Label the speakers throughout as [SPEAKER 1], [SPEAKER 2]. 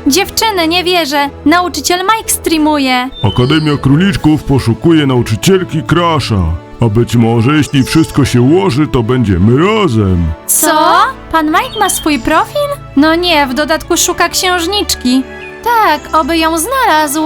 [SPEAKER 1] Dziewczyny, nie wierzę. Nauczyciel Mike streamuje.
[SPEAKER 2] Akademia Króliczków poszukuje nauczycielki Crasha. A być może, jeśli wszystko się ułoży, to będziemy razem.
[SPEAKER 1] Co? Pan Mike ma swój profil? No nie, w dodatku szuka księżniczki. Tak, oby ją znalazł.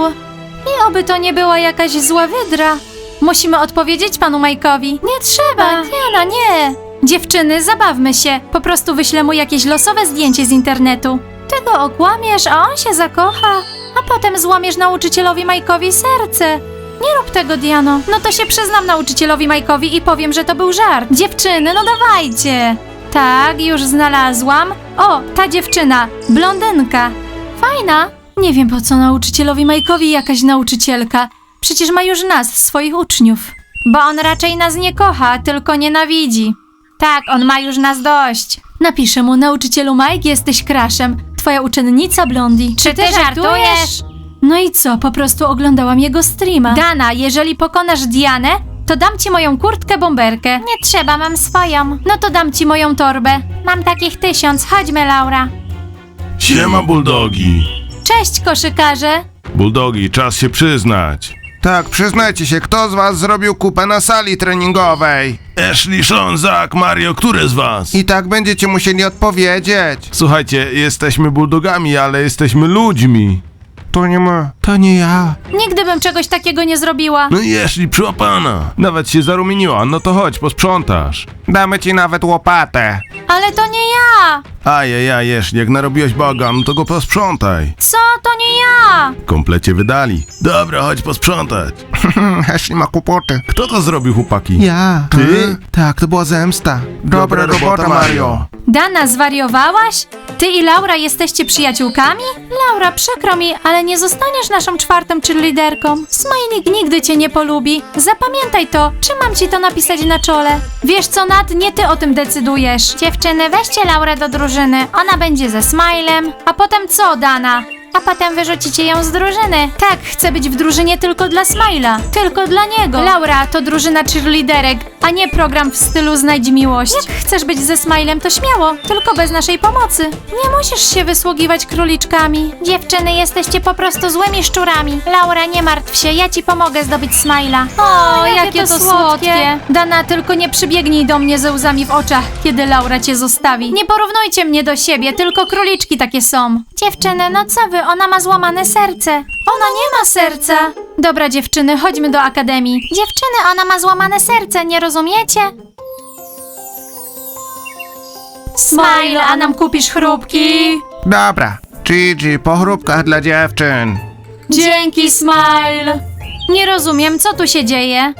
[SPEAKER 1] I oby to nie była jakaś zła wydra. Musimy odpowiedzieć panu Mike'owi. Nie trzeba, Diana, nie. Dziewczyny, zabawmy się. Po prostu wyślę mu jakieś losowe zdjęcie z internetu. Ty go okłamiesz, a on się zakocha. A potem złamiesz nauczycielowi Mike'owi serce. Nie rób tego, Diano. No to się przyznam nauczycielowi Mike'owi i powiem, że to był żart. Dziewczyny, no dawajcie. Tak, już znalazłam. O, ta dziewczyna, blondynka. Fajna. Nie wiem, po co nauczycielowi Mike'owi jakaś nauczycielka. Przecież ma już nas, swoich uczniów. Bo on raczej nas nie kocha, tylko nienawidzi. Tak, on ma już nas dość. Napiszę mu, nauczycielu Mike, jesteś Crashem. Twoja uczennica Blondie. Czy ty żartujesz? No i co, po prostu oglądałam jego streama. Dana, jeżeli pokonasz Dianę, to dam ci moją kurtkę bomberkę. Nie trzeba, mam swoją. No to dam ci moją torbę. Mam takich 1000, chodźmy, Laura.
[SPEAKER 2] Siema, bulldogi.
[SPEAKER 1] Cześć, koszykarze.
[SPEAKER 2] Bulldogi, czas się przyznać.
[SPEAKER 3] Tak, przyznajcie się, kto z was zrobił kupę na sali treningowej?
[SPEAKER 2] Ashley, Sean, Zach, Mario, który z was?
[SPEAKER 3] I tak będziecie musieli odpowiedzieć.
[SPEAKER 2] Słuchajcie, jesteśmy bulldogami, ale jesteśmy ludźmi.
[SPEAKER 3] To nie my. To nie ja.
[SPEAKER 1] Nigdy bym czegoś takiego nie zrobiła.
[SPEAKER 2] No i Ashley, przyłapana. Nawet się zarumieniła, no to chodź, posprzątasz.
[SPEAKER 3] Damy ci nawet łopatę.
[SPEAKER 1] Ale to nie ja.
[SPEAKER 2] Ajajaj, Ashley, jak narobiłeś bagan, to go posprzątaj.
[SPEAKER 1] Co? To nie ja.
[SPEAKER 2] Komplecie wydali. Dobra, chodź posprzątać.
[SPEAKER 3] Ashley ma kłopoty.
[SPEAKER 2] Kto to zrobił, chłopaki?
[SPEAKER 3] Ja.
[SPEAKER 2] Ty?
[SPEAKER 3] Tak, to była zemsta. Dobra robota, Mario.
[SPEAKER 1] Dana, zwariowałaś? Ty i Laura jesteście przyjaciółkami? Laura, przykro mi, ale nie zostaniesz naszą czwartą cheerleaderką. Smajlik nigdy cię nie polubi. Zapamiętaj to. Czy mam ci to napisać na czole? Wiesz co, Nat, nie ty o tym decydujesz. Dziewczyny, weźcie Laurę do drużyny. Ona będzie ze Smilem. A potem co, Dana? A potem wyrzucicie ją z drużyny. Tak, chcę być w drużynie tylko dla Smila. Tylko dla niego. Laura, to drużyna cheerleaderek, a nie program w stylu Znajdź miłość. Jak chcesz być ze Smilem, to śmiało. Tylko bez naszej pomocy. Nie musisz się wysługiwać króliczkami. Dziewczyny, jesteście po prostu złymi szczurami. Laura, nie martw się, ja ci pomogę zdobyć Smila. O, jakie to słodkie. Dana, tylko nie przybiegnij do mnie ze łzami w oczach, kiedy Laura cię zostawi. Nie porównujcie mnie do siebie, tylko króliczki takie są. Dziewczyny, no co wy, ona ma złamane serce. Ona nie ma serca. Dobra, dziewczyny, chodźmy do akademii. Dziewczyny, ona ma złamane serce, nie rozumiecie? Smile, a nam kupisz chrupki?
[SPEAKER 3] Dobra. Gigi, po chrupkach dla dziewczyn.
[SPEAKER 1] Dzięki, Smile. Nie rozumiem, co tu się dzieje.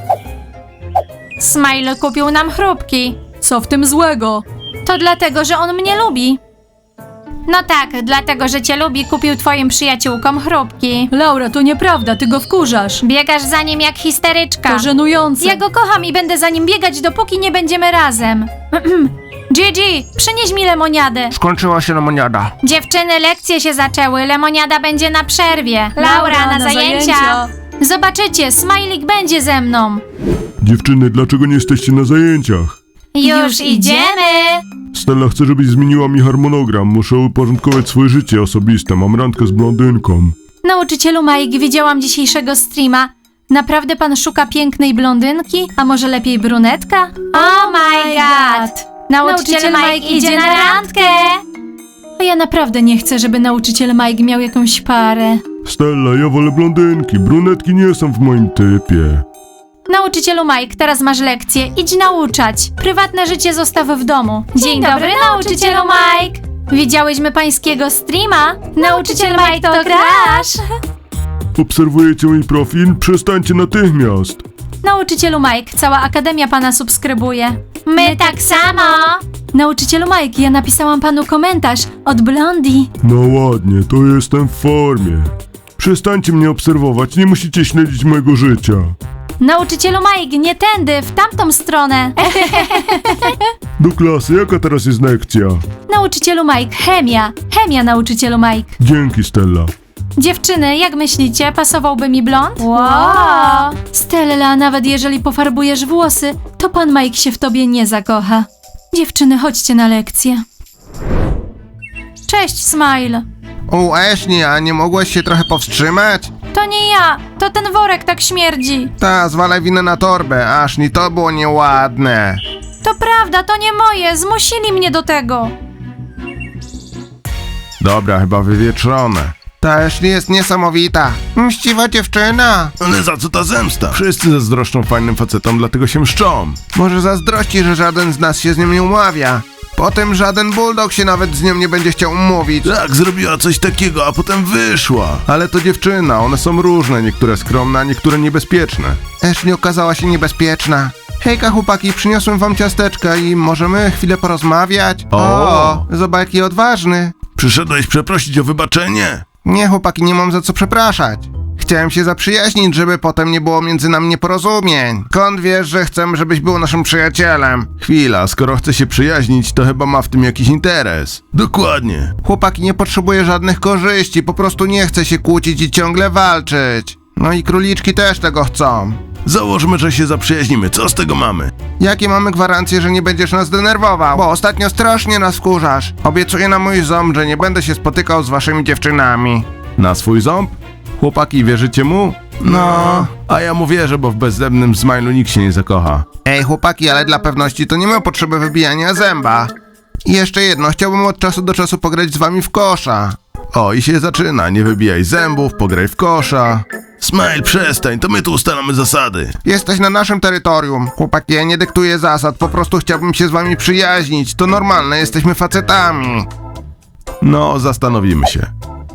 [SPEAKER 1] Smile kupił nam chrupki. Co w tym złego? To dlatego, że on mnie lubi. No tak, dlatego, że cię lubi, kupił twoim przyjaciółkom chrupki. Laura, to nieprawda, ty go wkurzasz. Biegasz za nim jak histeryczka. To żenujące. Ja go kocham i będę za nim biegać, dopóki nie będziemy razem. Gigi, przynieś mi lemoniadę.
[SPEAKER 3] Skończyła się lemoniada.
[SPEAKER 1] Dziewczyny, lekcje się zaczęły, lemoniada będzie na przerwie. Laura, na zajęcia. Zobaczycie, Smajlik będzie ze mną.
[SPEAKER 2] Dziewczyny, dlaczego nie jesteście na zajęciach?
[SPEAKER 1] Już idziemy.
[SPEAKER 2] Stella chce, żebyś zmieniła mi harmonogram. Muszę uporządkować swoje życie osobiste. Mam randkę z blondynką.
[SPEAKER 1] Nauczycielu Mike, widziałam dzisiejszego streama. Naprawdę pan szuka pięknej blondynki? A może lepiej brunetka? Oh my god! Nauczyciel Mike idzie na randkę! A ja naprawdę nie chcę, żeby nauczyciel Mike miał jakąś parę.
[SPEAKER 2] Stella, ja wolę blondynki. Brunetki nie są w moim typie.
[SPEAKER 1] Nauczycielu Mike, teraz masz lekcję. Idź nauczać. Prywatne życie zostaw w domu. Dzień dobry, nauczycielu Mike! Widziałyśmy pańskiego streama? Nauczyciel Mike to Crash!
[SPEAKER 2] Obserwujecie mój profil? Przestańcie natychmiast.
[SPEAKER 1] Nauczycielu Mike, cała akademia pana subskrybuje. My tak samo! Nauczycielu Mike, ja napisałam panu komentarz od Blondie.
[SPEAKER 2] No ładnie, to jestem w formie. Przestańcie mnie obserwować, nie musicie śledzić mojego życia.
[SPEAKER 1] Nauczycielu Mike, nie tędy, w tamtą stronę.
[SPEAKER 2] Do klasy, jaka teraz jest lekcja?
[SPEAKER 1] Nauczycielu Mike, chemia. Chemia, nauczycielu Mike.
[SPEAKER 2] Dzięki, Stella.
[SPEAKER 1] Dziewczyny, jak myślicie, pasowałby mi blond? Wow! Stella, nawet jeżeli pofarbujesz włosy, to pan Mike się w tobie nie zakocha. Dziewczyny, chodźcie na lekcję. Cześć, Smile.
[SPEAKER 3] Ashley, a nie mogłaś się trochę powstrzymać?
[SPEAKER 1] To nie ja, to ten worek tak śmierdzi.
[SPEAKER 3] Ta, zwalaj winę na torbę, Ashley, to było nieładne.
[SPEAKER 1] To prawda, to nie moje, zmusili mnie do tego.
[SPEAKER 3] Dobra, chyba wywietrzone. Ta Ashley jest niesamowita. Mściwa dziewczyna.
[SPEAKER 2] Ale za co ta zemsta? Wszyscy zazdroszczą fajnym facetom, dlatego się mszczą.
[SPEAKER 3] Może zazdrości, że żaden z nas się z nią nie umawia. Potem żaden bulldog się nawet z nią nie będzie chciał umówić.
[SPEAKER 2] Tak, zrobiła coś takiego, a potem wyszła.
[SPEAKER 3] Ale to dziewczyna, one są różne, niektóre skromne, a niektóre niebezpieczne. Ashley okazała się niebezpieczna. Hejka chłopaki, przyniosłem wam ciasteczka i możemy chwilę porozmawiać?
[SPEAKER 2] O!
[SPEAKER 3] Zobacz jaki odważny.
[SPEAKER 2] Przyszedłeś przeprosić o wybaczenie?
[SPEAKER 3] Nie chłopaki, nie mam za co przepraszać. Chciałem się zaprzyjaźnić, żeby potem nie było między nami nieporozumień. Skąd wiesz, że chcę, żebyś był naszym przyjacielem?
[SPEAKER 2] Chwila, skoro chce się przyjaźnić, to chyba ma w tym jakiś interes. Dokładnie.
[SPEAKER 3] Chłopaki, nie potrzebuję żadnych korzyści, po prostu nie chcę się kłócić i ciągle walczyć. No i króliczki też tego chcą.
[SPEAKER 2] Założmy, że się zaprzyjaźnimy. Co z tego mamy?
[SPEAKER 3] Jakie mamy gwarancje, że nie będziesz nas denerwował? Bo ostatnio strasznie nas wkurzasz. Obiecuję na mój ząb, że nie będę się spotykał z waszymi dziewczynami.
[SPEAKER 2] Na swój ząb? Chłopaki, wierzycie mu?
[SPEAKER 3] No.
[SPEAKER 2] A ja mu wierzę, bo w bezzębnym Smilu nikt się nie zakocha.
[SPEAKER 3] Ej chłopaki, ale dla pewności to nie ma potrzeby wybijania zęba. I jeszcze jedno, chciałbym od czasu do czasu pograć z wami w kosza.
[SPEAKER 2] O, i się zaczyna. Nie wybijaj zębów, pograj w kosza. Smile, przestań, to my tu ustalamy zasady.
[SPEAKER 3] Jesteś na naszym terytorium. Chłopaki, ja nie dyktuję zasad, po prostu chciałbym się z wami przyjaźnić. To normalne, jesteśmy facetami.
[SPEAKER 2] No, zastanowimy się.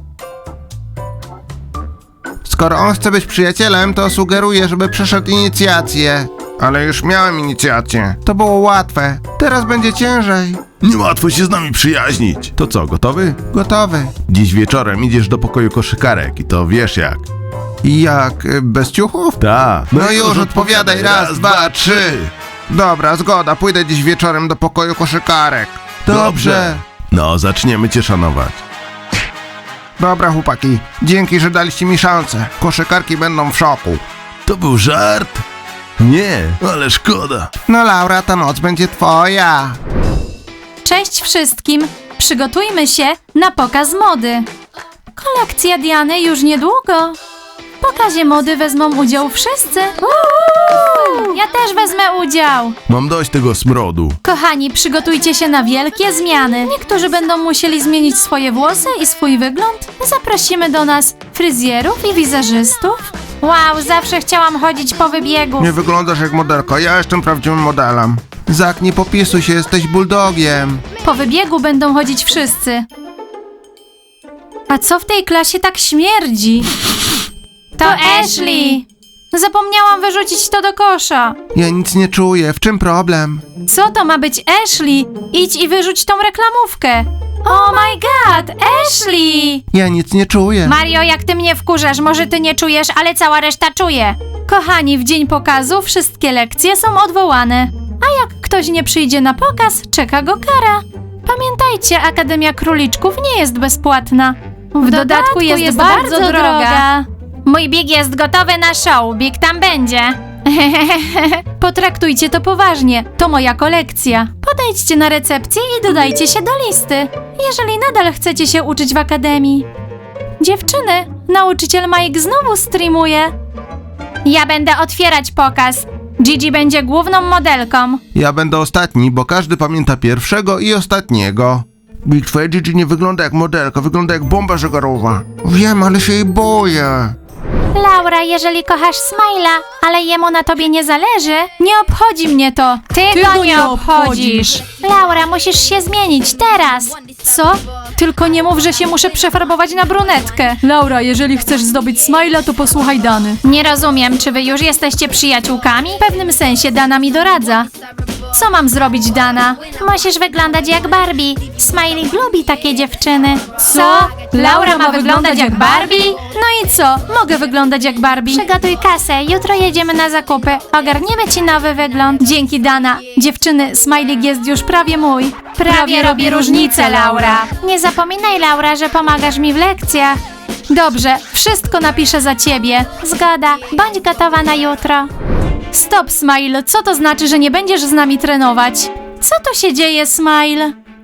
[SPEAKER 3] Skoro on chce być przyjacielem, to sugeruję, żeby przeszedł inicjację. Ale już miałem inicjację. To było łatwe. Teraz będzie ciężej.
[SPEAKER 2] Niełatwo się z nami przyjaźnić. To co, gotowy?
[SPEAKER 3] Gotowy.
[SPEAKER 2] Dziś wieczorem idziesz do pokoju koszykarek i to wiesz jak.
[SPEAKER 3] I jak? Bez ciuchów?
[SPEAKER 2] Ta.
[SPEAKER 3] No już, odpowiadaj. Raz, dwa, trzy. Dobra, zgoda. Pójdę dziś wieczorem do pokoju koszykarek.
[SPEAKER 2] Dobrze. No, zaczniemy cię szanować.
[SPEAKER 3] Dobra, chłopaki. Dzięki, że daliście mi szansę. Koszykarki będą w szoku.
[SPEAKER 2] To był żart? Nie, ale szkoda.
[SPEAKER 3] No Laura, ta noc będzie twoja.
[SPEAKER 1] Cześć wszystkim, przygotujmy się na pokaz mody. Kolekcja Diany już niedługo. W pokazie mody wezmą udział wszyscy. Ja też wezmę udział.
[SPEAKER 2] Mam dość tego smrodu.
[SPEAKER 1] Kochani, przygotujcie się na wielkie zmiany. Niektórzy będą musieli zmienić swoje włosy i swój wygląd. Zaprosimy do nas fryzjerów i wizerzystów. Wow, zawsze chciałam chodzić po wybiegu.
[SPEAKER 3] Nie wyglądasz jak modelka, ja jestem prawdziwym modelem. Zak, nie popisuj się, jesteś bulldogiem.
[SPEAKER 1] Po wybiegu będą chodzić wszyscy. A co w tej klasie tak śmierdzi? To Ashley! Zapomniałam wyrzucić to do kosza.
[SPEAKER 3] Ja nic nie czuję, w czym problem?
[SPEAKER 1] Co to ma być Ashley? Idź i wyrzuć tą reklamówkę. Oh my god, Ashley!
[SPEAKER 3] Ja nic nie czuję.
[SPEAKER 1] Mario, jak ty mnie wkurzasz, może ty nie czujesz, ale cała reszta czuje. Kochani, w dzień pokazu wszystkie lekcje są odwołane. A jak ktoś nie przyjdzie na pokaz, czeka go kara. Pamiętajcie, Akademia Króliczków nie jest bezpłatna. W dodatku jest bardzo droga. Mój Big jest gotowy na show, Big tam będzie. Potraktujcie to poważnie, to moja kolekcja. Podejdźcie na recepcję i dodajcie się do listy, jeżeli nadal chcecie się uczyć w akademii. Dziewczyny, nauczyciel Mike znowu streamuje. Ja będę otwierać pokaz. Gigi będzie główną modelką.
[SPEAKER 3] Ja będę ostatni, bo każdy pamięta pierwszego i ostatniego. Big, twoja Gigi nie wygląda jak modelka, wygląda jak bomba żegarowa. Wiem, ale się jej boję.
[SPEAKER 1] Laura, jeżeli kochasz Smile'a, ale jemu na tobie nie zależy, nie obchodzi mnie to. Ty go nie obchodzisz. Laura, musisz się zmienić teraz. Co? Tylko nie mów, że się muszę przefarbować na brunetkę.
[SPEAKER 4] Laura, jeżeli chcesz zdobyć Smile'a, to posłuchaj Dany.
[SPEAKER 1] Nie rozumiem, czy wy już jesteście przyjaciółkami? W pewnym sensie Dana mi doradza. Co mam zrobić, Dana? Musisz wyglądać jak Barbie. Smiley lubi takie dziewczyny. Co? Laura ma wyglądać jak Barbie? No i co? Mogę wyglądać jak Barbie. Przygotuj kasę, jutro jedziemy na zakupy. Ogarniemy ci nowy wygląd. Dzięki, Dana. Dziewczyny, Smiley jest już prawie mój. Prawie robi różnicę, Laura. Nie zapominaj, Laura, że pomagasz mi w lekcjach. Dobrze, wszystko napiszę za ciebie. Zgoda, bądź gotowa na jutro. Stop, Smile, co to znaczy, że nie będziesz z nami trenować? Co tu się dzieje, Smile?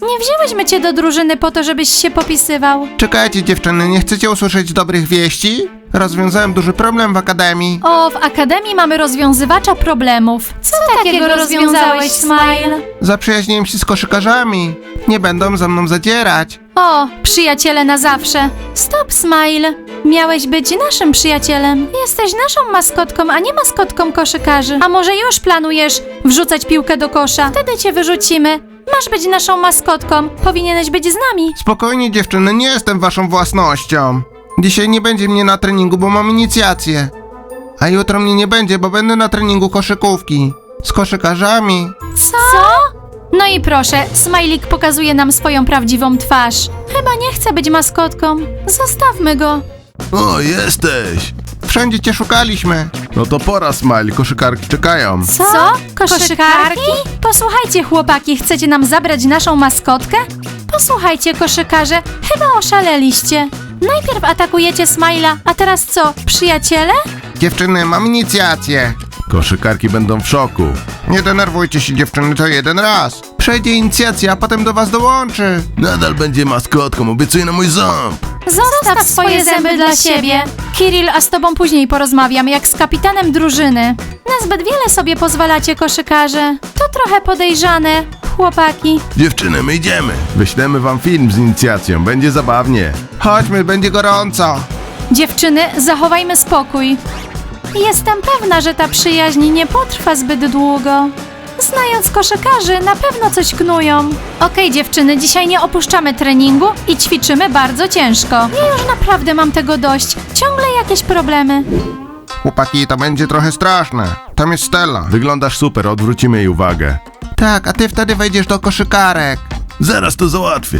[SPEAKER 1] Nie wzięłyśmy cię do drużyny po to, żebyś się popisywał.
[SPEAKER 3] Czekajcie dziewczyny, nie chcecie usłyszeć dobrych wieści? Rozwiązałem duży problem w akademii.
[SPEAKER 1] O, w akademii mamy rozwiązywacza problemów. Co takiego rozwiązałeś, Smile?
[SPEAKER 3] Zaprzyjaźniłem się z koszykarzami. Nie będą ze mną zadzierać.
[SPEAKER 1] O, przyjaciele na zawsze. Stop, Smile. Miałeś być naszym przyjacielem. Jesteś naszą maskotką, a nie maskotką koszykarzy. A może już planujesz wrzucać piłkę do kosza? Wtedy cię wyrzucimy. Masz być naszą maskotką. Powinieneś być z nami.
[SPEAKER 3] Spokojnie dziewczyny, nie jestem waszą własnością. Dzisiaj nie będzie mnie na treningu, bo mam inicjację. A jutro mnie nie będzie, bo będę na treningu koszykówki. Z koszykarzami.
[SPEAKER 1] Co? No i proszę, Smajlik pokazuje nam swoją prawdziwą twarz. Chyba nie chce być maskotką. Zostawmy go.
[SPEAKER 2] O, jesteś!
[SPEAKER 3] Wszędzie cię szukaliśmy.
[SPEAKER 2] No to pora, Smile, koszykarki czekają.
[SPEAKER 1] Co? Koszykarki? Posłuchajcie, chłopaki, chcecie nam zabrać naszą maskotkę? Posłuchajcie, koszykarze, chyba oszaleliście. Najpierw atakujecie Smajla, a teraz co, przyjaciele?
[SPEAKER 3] Dziewczyny, mam inicjację.
[SPEAKER 2] Koszykarki będą w szoku.
[SPEAKER 3] Nie denerwujcie się dziewczyny, to jeden raz. Przejdzie inicjacja, a potem do was dołączy.
[SPEAKER 2] Nadal będzie maskotką, obiecuję na mój ząb.
[SPEAKER 1] Zostaw swoje zęby dla siebie. Kirill, a z tobą później porozmawiam, jak z kapitanem drużyny. Nazbyt wiele sobie pozwalacie, koszykarze. To trochę podejrzane, chłopaki.
[SPEAKER 2] Dziewczyny, my idziemy. Wyślemy wam film z inicjacją, będzie zabawnie.
[SPEAKER 3] Chodźmy, będzie gorąco.
[SPEAKER 1] Dziewczyny, zachowajmy spokój. Jestem pewna, że ta przyjaźń nie potrwa zbyt długo. Znając koszykarzy, na pewno coś knują. Okej, dziewczyny, dzisiaj nie opuszczamy treningu i ćwiczymy bardzo ciężko. Ja już naprawdę mam tego dość. Ciągle jakieś problemy.
[SPEAKER 3] Chłopaki, to będzie trochę straszne. Tam jest Stella.
[SPEAKER 2] Wyglądasz super, odwrócimy jej uwagę.
[SPEAKER 3] Tak, a ty wtedy wejdziesz do koszykarek.
[SPEAKER 2] Zaraz to załatwię.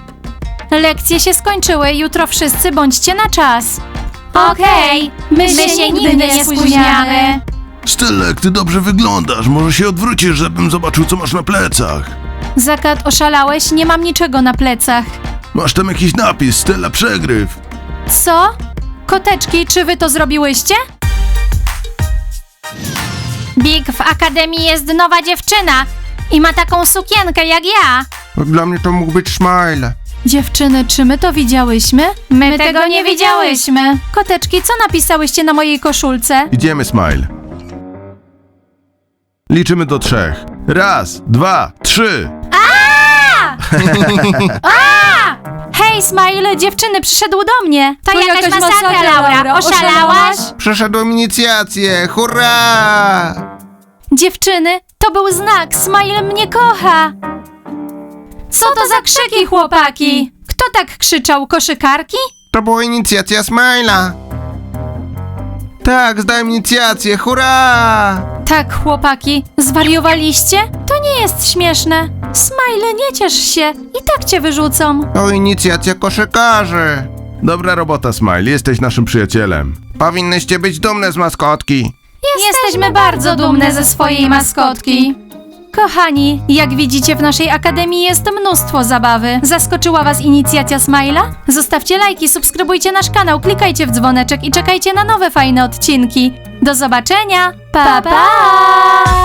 [SPEAKER 1] Lekcje się skończyły, jutro wszyscy bądźcie na czas. Okej, my się nigdy nie spóźniamy.
[SPEAKER 2] Stella, jak ty dobrze wyglądasz, może się odwrócisz, żebym zobaczył, co masz na plecach.
[SPEAKER 1] Zakat, oszalałeś? Nie mam niczego na plecach.
[SPEAKER 2] Masz tam jakiś napis, Stella przegryw.
[SPEAKER 1] Co? Koteczki, czy wy to zrobiłyście? Big, w akademii jest nowa dziewczyna i ma taką sukienkę jak ja.
[SPEAKER 3] Dla mnie to mógł być Smile.
[SPEAKER 1] Dziewczyny, czy my to widziałyśmy? My tego nie widziałyśmy. Koteczki, co napisałyście na mojej koszulce?
[SPEAKER 2] Idziemy, Smile. Liczymy do 3. 1, 2, 3.
[SPEAKER 1] Hej, Smile, dziewczyny, przyszedł do mnie. To jakaś masakra, Laura. Oszalałaś?
[SPEAKER 3] Przeszedłem inicjację, hurra!
[SPEAKER 1] Dziewczyny, to był znak. Smile mnie kocha. Co to za krzyki, chłopaki? Kto tak krzyczał? Koszykarki?
[SPEAKER 3] To była inicjacja Smile'a. Tak, zdałem inicjację, hurra!
[SPEAKER 1] Tak, chłopaki, zwariowaliście? To nie jest śmieszne. Smile, nie ciesz się. I tak cię wyrzucą.
[SPEAKER 3] To inicjacja koszykarzy.
[SPEAKER 2] Dobra robota, Smile, jesteś naszym przyjacielem.
[SPEAKER 3] Powinnyście być dumne z maskotki.
[SPEAKER 1] Jesteśmy bardzo dumne ze swojej maskotki. Kochani, jak widzicie, w naszej akademii jest mnóstwo zabawy. Zaskoczyła was inicjacja Smile'a? Zostawcie lajki, subskrybujcie nasz kanał, klikajcie w dzwoneczek i czekajcie na nowe fajne odcinki. Do zobaczenia! Pa, pa!